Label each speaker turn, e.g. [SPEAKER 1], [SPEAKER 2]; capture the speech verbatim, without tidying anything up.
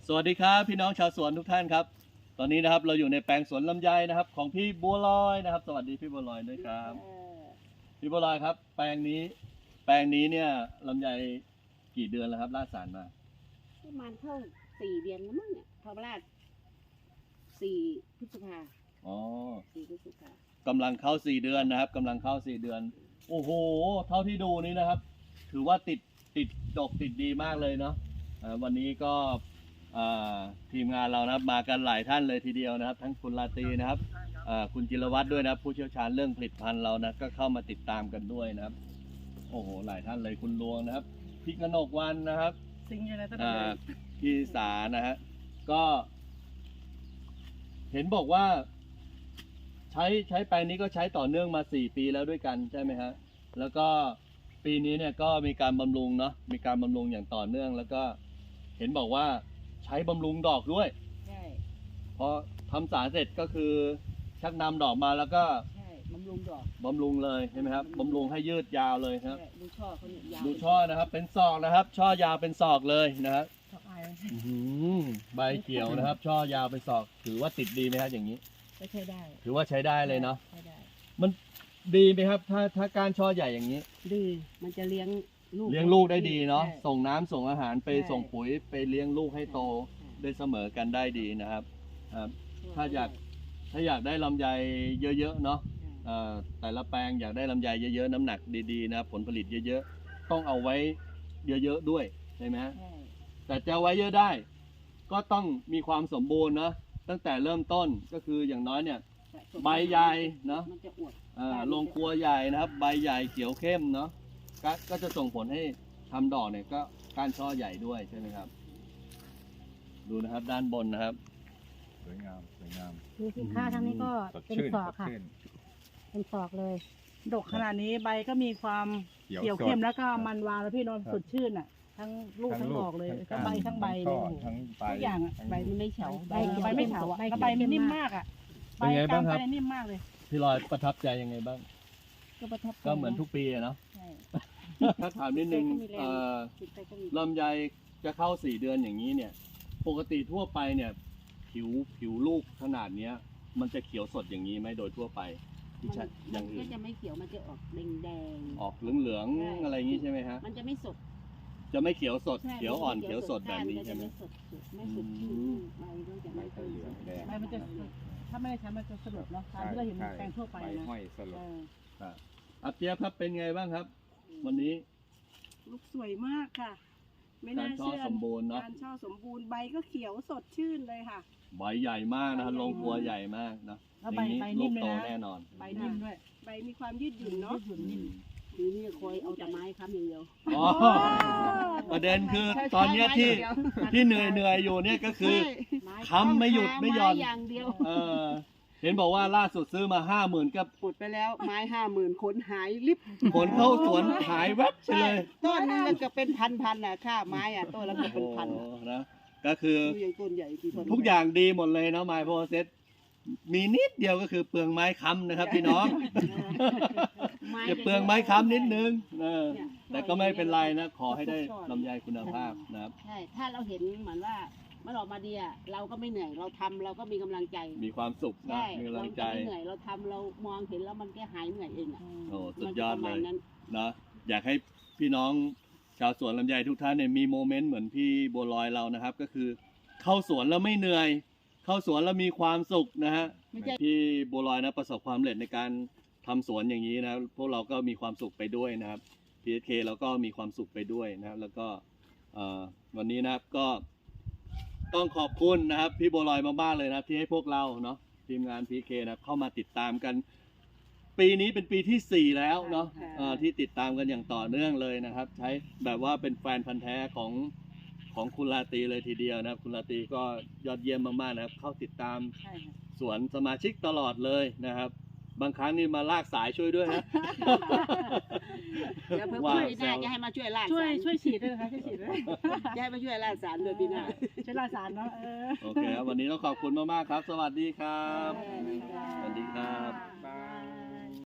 [SPEAKER 1] สวัสดีครับพี่น้องชาวสวนทุกท่านครับตอนนี้นะครับเราอยู่ในแปลงสวนลำไยนะครับของพี่บัวลอยนะครับสวัสดีพี่บัวลอยด้วยครับพี่บัวลอยครับแปลงนี้แปลงนี้เนี่ยลำไยกี่เดือนแล้วครับลาดสารมา
[SPEAKER 2] ประมาณเข้าสี่เดือนแล้วมั้งเนี่ยพอลาดสี่พฤษภา
[SPEAKER 1] อ๋อ
[SPEAKER 2] สี่พฤษภา
[SPEAKER 1] กำลังเข้าสี่เดือนนะครับกำลังเข้าสี่เดือนโอ้โหเท่าที่ดูนี้นะครับถือว่าติดติดดกติดดีมากเลยเนาะวันนี้ก็ทีมงานเรานะครับมากันหลายท่านเลยทีเดียวนะครับทั้งคุณลาตรีนะครับคุณจิรวัตรด้วยนะครับผู้เชี่ยวชาญเรื่องผลิตภัณฑ์เรานะก็เข้ามาติดตามกันด้วยนะครับโอ้โหหลายท่านเลยคุณลวงนะครับพี่กนกวันนะครับ
[SPEAKER 2] สิ่งอะไรตั้ง
[SPEAKER 1] พี่สานะฮะก็เห็นบอกว่าใช้ใช้แปลงนี้ก็ใช้ต่อเนื่องมาสี่ปีแล้วด้วยกันใช่ไหมฮะแล้วก็ปีนี้เนี่ยก็มีการบำรุงเนาะมีการบำรุงอย่างต่อเนื่องแล้วก็เห็นบอกว่าใช้บำรุงดอกด้วย
[SPEAKER 2] ใช่
[SPEAKER 1] พอทำสารเสร็จก็คือชักนำดอกมาแล้วก็
[SPEAKER 2] ใช่บำรุงดอก
[SPEAKER 1] บำรุงเลยใช่ไหมครับบำรุงให้ยืดยาวเลยครับ
[SPEAKER 2] ดูช่อเขาเนี่ยยาว
[SPEAKER 1] ดูช่อนะครับเป็นศอกนะครับช่อยาวเป็นศอกเลยนะครับใบเขียวนะครับช่อยาวเป็นศอกถือว่าติดดีไหมครับอย่างนี้
[SPEAKER 2] ก็ใช้ได้
[SPEAKER 1] ถือว่าใช้ได้เลยเนาะ
[SPEAKER 2] ใช้ได้
[SPEAKER 1] มันดีไหมครับถ้าถ้าการช่อใหญ่อย่างนี้
[SPEAKER 2] ดีมันจะเลี้ยงลูก
[SPEAKER 1] เลี้ยงลูกได้ดีเนาะส่งน้ำส่งอาหารไปส่งปุ๋ยไปเลี้ยงลูกให้โตได้เสมอกันได้ดีนะครับถ้าอยากถ้าอยากได้ลำไยเยอะๆเนาะแต่ละแปลงอยากได้ลำไยเยอะๆน้ำหนักดีๆนะผลผลิตเยอะๆต้องเอาไว้เยอะๆด้วยใช่ไหมฮะแต่จะไว้เยอะได้ก็ต้องมีความสมบูรณ์นะตั้งแต่เริ่มต้นก็คืออย่างน้อยเนี่ยใบใหญ่เนาะลงครัวใหญ่นะครับใบใหญ่เขียวเข้มเนาะก็จะส่งผลให้ทำดอกเนี่ยก็ก้านช่อใหญ่ด้วยใช่ไหมครับดูนะครับด้านบนนะครับ
[SPEAKER 3] สวยงามสวยงาม
[SPEAKER 4] ดูสินค้าทางนี้ก็เป็นศอกค่ะเป็นศอกเลย
[SPEAKER 5] ดกขนาดนี้ใบก็มีความเขียวเข้มแล้วก็มันวาวแล้วพี่นนท์สดชื่นอ่ะทั้งลูกทั้งดอกเลยทั้งใบทั้งใบเลยทุกอย่างอ่ะ
[SPEAKER 2] ใบมันไม่เฉา
[SPEAKER 5] ใบใบไม่เฉาอ่ะใบมันนิ่มมากอ่ะ
[SPEAKER 1] ใบกลางใบ
[SPEAKER 5] นิ่มมากเลย
[SPEAKER 1] พี่ลอยประทับใจยังไงบ้าง
[SPEAKER 2] ก็ประทับ
[SPEAKER 1] ก็เหมือนทุกปีเนาะถ้าถามนิดนึงลำไยจะเข้าสี่เดือนอย่างนี้เนี่ยปกติทั่วไปเนี่ยผิวผิวลูกขนาดเนี้ยมันจะเขียวสดอย่างนี้ไหมโดยทั่วไปที่ใช่
[SPEAKER 2] อย่างอื่นก็จะไม่เขียวมันจะออกแดงแดง
[SPEAKER 1] ออกเหลืองเหลืองอะไรอย่างนี้ใช่ไหมฮะ
[SPEAKER 2] มันจะไม่สด
[SPEAKER 1] จะไม่เขียวสดเขียวอ่อนเขียวสดแบบนี้ใช่ไหม
[SPEAKER 2] ไม่สดใบก็จะไม่เหลืองแดง
[SPEAKER 5] ใบมันจะถ้าไม่ได้ใช้มันจะสลบเนาะตามที่เราเห็นแปลงทั่วไปนะ
[SPEAKER 3] ห้อยสลบ
[SPEAKER 1] อาเปียบครับเป็นไงบ้างครับวันนี้
[SPEAKER 5] ลูกสวยมากค่ะไม่น่าเชื่อการช่อสมบูรณ์เนาะการช่อสมบูรณ์ใบก็เขียวสดชื่นเลยค่ะ
[SPEAKER 1] ใบใหญ่มากนะลงครัวใหญ่มากนะ
[SPEAKER 5] ใบใบนิ่มเลยนะ
[SPEAKER 1] แน่นอน
[SPEAKER 5] ใบนิ่มด้วยใบมีความยืดหยุ่นเนาะ
[SPEAKER 2] ทีนี้คอยเอาแต่ไม้ค้ำอย่างเดียว
[SPEAKER 1] ประเด็นคือตอนนี้ที่ที่เหนื่อยเหนื่อยอยู่เนี่ยก็คือค้ำไม่หยุดไม่หย่อน
[SPEAKER 2] อย่างเดียว
[SPEAKER 1] เห็นบอกว่าล่าสุดซื้อมาห้าหมื่นก็
[SPEAKER 5] ปุดไปแล้วไม้ห้าหมื่นขนหายลิบ
[SPEAKER 1] ขนเข้าสวนหายแวบไปเลย
[SPEAKER 5] ต้นนึงก็เป็นพันพันน่ะค่าไม้อ่ะต้นละก็เป็นพัน
[SPEAKER 1] นะก็คือ
[SPEAKER 5] ต้นใหญ่
[SPEAKER 1] ทุกอย่างดีหมดเลยนะไม้โพเซตมีนิดเดียวก็คือเปลืองไม้ค้ำนะครับพี่น้องจะเปลืองไม้ค้ำนิดนึงแต่ก็ไม่เป็นไรนะขอให้ได้ลำไยคุณภาพนะครับ
[SPEAKER 2] ใช่ถ้าเราเห็นเหมือนว่ามันออกมาดีอ่ะเราก็ไม่เหนื่อยเราทำเราก็มีกำลังใจ
[SPEAKER 1] มีความสุขนะมีกำลังใจ
[SPEAKER 2] ไม่เหนื่อยเราทำเรามองเห็นแล้วมันแค่หายเหนื่อยเองอ่ะ
[SPEAKER 1] โอ้สุดยอดเลยนะอยากให้พี่น้องชาวสวนลำไยทุกท่านเนี่ยมีโมเมนต์เหมือนพี่บัวลอยเรานะครับก็คือเข้าสวนแล้วไม่เหนื่อยเข้าสวนแล้วมีความสุขนะฮะพี่บัวลอยนะประสบความสำเร็จในการทำสวนอย่างนี้นะพวกเราก็มีความสุขไปด้วยนะครับ พี เอส เค เราก็มีความสุขไปด้วยนะครับแล้วก็วันนี้นะครับก็ต้องขอบคุณนะครับพี่บัวลอยมากๆเลยนะที่ให้พวกเราเนาะทีมงาน พี เอส เค นะเข้ามาติดตามกันปีนี้เป็นปีที่สี่แล้วเนาะที่ติดตามกันอย่างต่อเนื่องเลยนะครับใช้แบบว่าเป็นแฟนพันธุ์แท้ของของคุณลาตรีเลยทีเดียวนะครับคุณลาตรีก็ยอดเยี่ยมมากๆนะครับเข้าติดตามสวนสมาชิกตลอดเลยนะครับบางครั้งนี่มาลากสายช่วยด้วยนะ
[SPEAKER 2] เดี๋ยวเพิ่มช่วยได้จะให้มาช่วยลาก
[SPEAKER 5] ช่วยช่วยฉีดด้วยนะคะช่วยฉีดด้วย
[SPEAKER 2] จะให้มาช่วยลากสารด้วยพี่นา
[SPEAKER 5] ช่วยลากสารเนาะ
[SPEAKER 1] โอเคครับวันนี้ต้องขอบคุณมากๆครับสวัสดีครับสวัสดีครับ